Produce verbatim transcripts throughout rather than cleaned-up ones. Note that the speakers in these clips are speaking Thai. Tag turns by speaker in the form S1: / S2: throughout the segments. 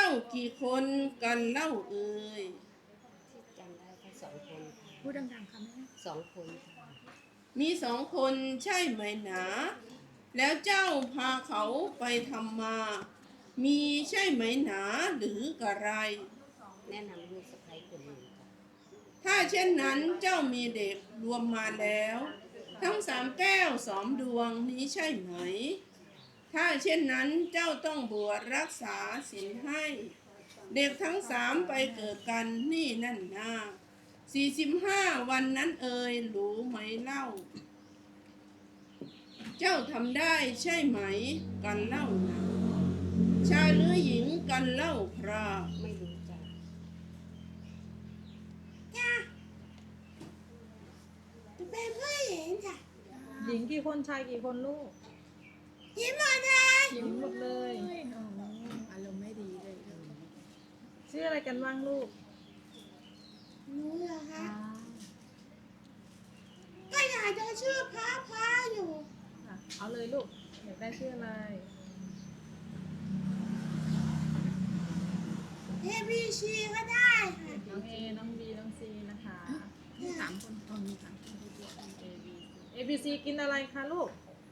S1: กี่คนกันเล่าเอ่ย
S2: ที่จำได้แค่สองคน
S3: พูดดังๆค่ะแม่
S2: สองคนค่ะ
S1: มีสองคนใช่ไหมหนาแล้วเจ้าพาเขาไปทำมา มีใช่ไหมหนาหรือกระไร
S2: แนะนำลูกสะใภ้คนหนึ่งค่ะ
S1: ถ้าเช่นนั้นเจ้ามีเด็กรวมมาแล้ว ทั้งสามแก้วสองดวงนี้ใช่ไหม ถ้าเช่นนั้นเจ้าต้องบวชรักษาศีลให้ เด็กทั้งสามไปเกิดกันนี่นั่นนาสี่สิบห้าวันนั้นเอ่ยรู้ไหมเล่า เจ้าทำได้ใช่ไหมกันเล่านะชายหรือหญิงกันเล่าพระ
S2: ไม่รู้จ้ะ
S1: เป็นผู้หญิงจ้ะ
S3: หญิงกี่คนชายกี่คนลูก
S1: หญิงหมดเลย
S3: หญิงหมดเลย
S1: อ๋ออารมณ์ไม่ดีเลย
S3: ชื่ออะไรกันบ้างลูก
S1: หนูเหรอคะก็อยากจะชื่อพระพระอยู่
S3: เอาเลยลูกอยากได้ชื่ออะไร
S1: เอบีซีก็ได้ค่ะ
S3: น้องเอน้องบีน้องซีนะคะ
S1: มีสามคนตอนนี้ค่ะ
S3: เอบีซีกินอะไรคะลูก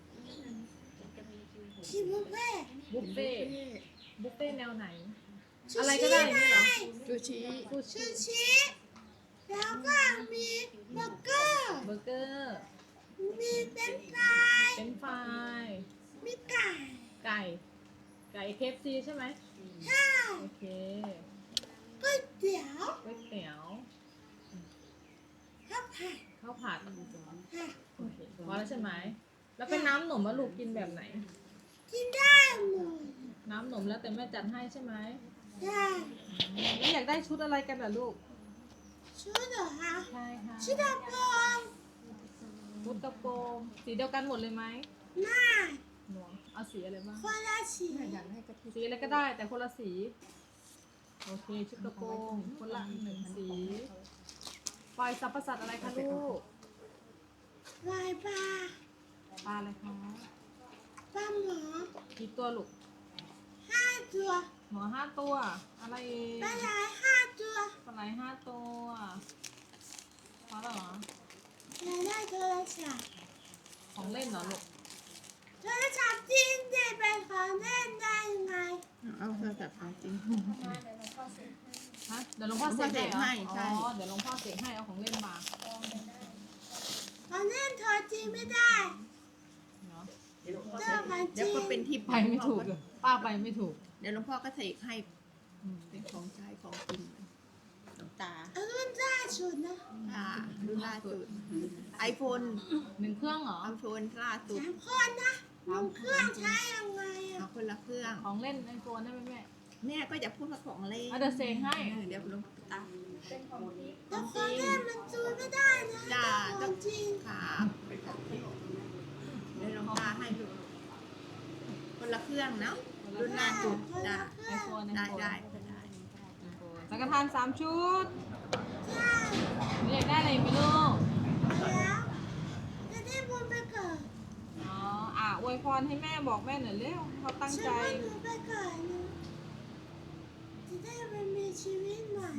S1: ชิบุฟเฟ่
S3: บุฟเฟ่บุฟเฟ่แนวไหนอะไรก็ได้นี่เหรอ
S1: ซูชิ
S3: ซูชิ
S1: แล้วก็มีเบอร์เกอร์
S3: เบอร์เกอร์
S1: มีเป็นไฟราย
S3: เป็นไฟราย
S1: มีไก่
S3: ไก่ไก่เคฟซีใช่ไหม
S1: ใช่
S3: โอเค
S1: ก๋วยเตี๋ยว
S3: ก๋วยเตี๋ยว
S1: ข้าวผัด
S3: ข้าวผัด
S1: ค่ะ
S3: โอเคพอแล้วใช่ไหมแล้วเป็นน้ำหนมอะลูกกินแบบไหน
S1: กินได้หมด
S3: น้ำหนมแล้วแต่แม่จัดให้ใช่ไหม
S1: ได้
S3: แล้วอยากได้ชุดอะไรกันล่ะลูก
S1: ชุดเหรอคะ
S3: ใช่ค่ะ
S1: ชุดกระโปรง
S3: ชุดกระโปรงสีเดียวกันหมดเลยไหม
S1: ไม่
S3: หนูเอาสีอะไรบ้าง
S1: คนละสี
S3: อยากให้กระสีอะไรก็ได้แต่คนละสีโอเคชุดกระโปรงคนละหนึ่งสีปล่อยสรรพสัตว์อะไรคะลูก
S1: ลายปลา
S3: ปลาอะไรคะ
S1: ปลาหมอ
S3: กี่ตัวลูก
S1: ห้าตัว
S3: หมอห้าตัวอะไร
S1: ปลาไหลห้าตัว
S3: ปลาไหลห้าตัวพอแล้วเหรอ
S1: อยากได้โทรศัพท์
S3: ของเล่นเหรอลูก
S1: โทรศัพท์จริงจะเป็นของเล่นได้ยังไง
S3: เอาโทรศัพท์ของจริงฮะเดี๋ยวหลวงพ่อเสกให้อ๋อเดี๋ยวหลวงพ่อเสกให้เอาของเล่นมา
S1: ของเล่นโทรจริงไม่ได้
S3: เนาะ
S1: เดี๋ยว
S4: ก็เป็นที่
S3: ไปไม่ถูกป้าไปไม่ถูก
S4: เดี๋ยวหลวงพ่อก็เสกให้เป็นของใช้ของกินหลวงตา
S1: รุ่นล่าสุดนะ
S4: อ่ารุ่นล่าสุดไอโฟน
S3: หนึ่งเครื่องเหรอ
S4: ไอโฟนล่าสุด
S1: สามคนนะหนึ่งเครื่องใช้ยังไงอ่ะ
S4: คนละเครื่อง
S3: ของเล่นไอโฟนได้ไหมแม่
S4: แม่ก็จะพูดว่าของเล่น
S3: เดี๋ยวเสกให้
S4: เดี๋ยวหลวงตา
S1: แต่ของเล่นมันซูไม่ได้นะ
S4: จ้า
S1: ของจริง
S4: ค่ะเป็นของจริงเดี๋ยวหลวงตาให้ดูคนละเครื่องเนาะรุ่นล่าสุดจ้า
S3: ไอโฟน
S4: ได้ได้ได้
S3: สังฆทานสามชุด
S1: ใช่
S3: อยากได้อะไรไหมลูก
S1: แล้วจะได้บุญไปเกิด
S3: อ๋ออ่ะอวยพรให้แม่บอกแม่หน่อยเร็วเขาตั้งใจ
S1: ฉันว่าหนูไปเกิดนะจะได้ไปมีชีวิตใหม่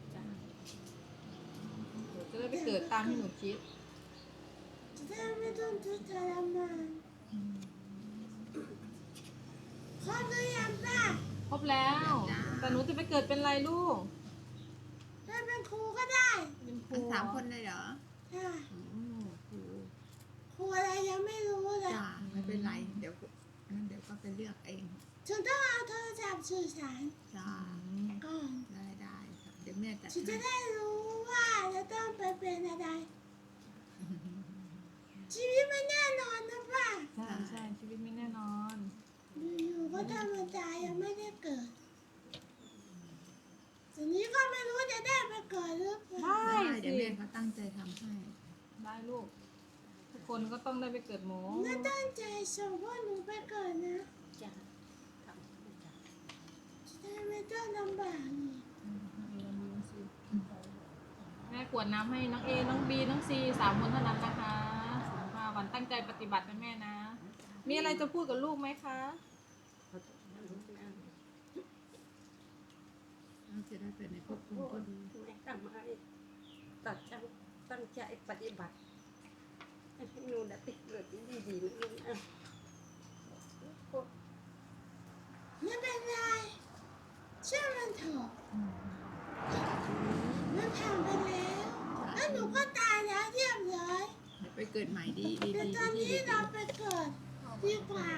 S3: จะได้ไปเกิดตามที่หนูคิด
S1: จะได้ไม่ต้องทุกข์ทรมานครบหรือยังป้า
S3: ครบแล้วแต่หนูจะไปเกิดเป็นอะไรลูก
S1: ได้เป็นครูก็ได้
S3: เป็นครู
S4: สามคนเลยเหรอ
S1: ใช่ครูครูอะไรยังไม่รู้เลย
S4: จ้าไม่เป็นไรเดี๋ยวงั้นเดี๋ยวก็ไปเลือกเอง
S1: ฉันต้องเอาโทรศัพท์สื่อสาร
S4: จ้า
S1: ก่อน
S4: ได้ได้เดี๋ยวแม่จะ
S1: ฉันจะได้รู้ว่าจะต้องไปเป็นอะไรชีวิตไม่แน่นอนนะป้า
S3: ใช่ใช่ชีวิตไม่แน่นอน
S1: อยู่ๆก็ธรรมดายังไม่ได้เกิดทีนี้ก็ไม่รู้จะได้ไปเกิดหรือเปล่า
S3: ได้
S4: เดี๋ยวแม่เขาตั้งใจทำให้
S3: ได้ลูกทุกคนก็ต้องได้ไปเกิดหมอ
S1: น่าตั้งใจส่งพ่อหนูไปเกิดนะ
S2: จ้ะ
S1: จะได้ไม่ต้องลำบากนี่
S3: แม่กวดน้ำให้น้องเอน้องบีน้องซีสามคนเท่านั้นนะคะวันตั้งใจปฏิบัตินะแม่นะมีอะไรจะพูดกับลูกไหมคะ
S4: ได้เกิดในภพภูมิที่ดี
S2: แม่ทำให้ตัดจังตั้งใจปฏิบัติให้หนูได้ติดเกิดที่ดีๆนะลูกนะ
S1: ไม่เป็นไรเชื่อมันเถอะมันผ่านไปแล้วแล้วหนูก็ตายแล้วเรียบร้อย
S4: เดี๋ยวไปเกิดใหม่ดีดี
S1: แต่
S4: ดี
S1: ตอนนี้เราไปเกิดดีกว่า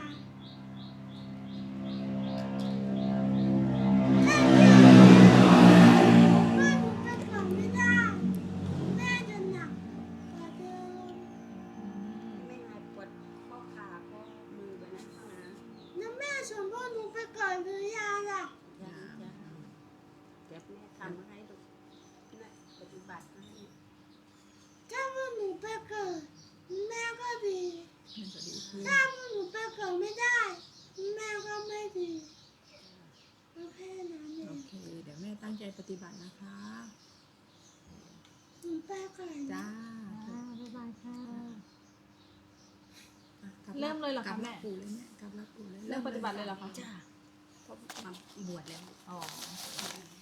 S1: ถ้าเกิดว่าหนูไปเกิดไม่ได้แม่จะหนักกว่าเดิม
S2: ไม่หายปวดข้อขาข้อมือแบบนั้นนะ
S1: แล้วแม่ส่วนพ่อหนูไปเกิดหรือยังล่ะ
S2: ยังจะเดี๋ยวแม่ทำให้ลูกนะปฏิบัติให้
S1: ถ้าพวกหนูไปเกิดแม่ก็ดี
S4: มันจะดีขึ้น
S1: ถ้าพวกหนูไปเกิดไม่ได้แม่ก็ไม่ดีก็แค่นั้นเอ
S4: โอง เค เดี๋ยวแม่ตั้งใจปฏิบัตินะคะ
S1: หนูไปก่อน
S4: จ้า
S3: อ่าบ๊ายบายค่ะ
S4: อ่ะกบ
S3: เริ่มเลยเหรอคะ
S4: กบ
S3: แม่
S4: ปู่เลยเนี่ยกลับรับปู่เลย
S3: เริ่มปฏิบัติเลยเหรอคะ
S2: จ้าเขามาบวชแล้ว
S3: อ๋อ
S2: เ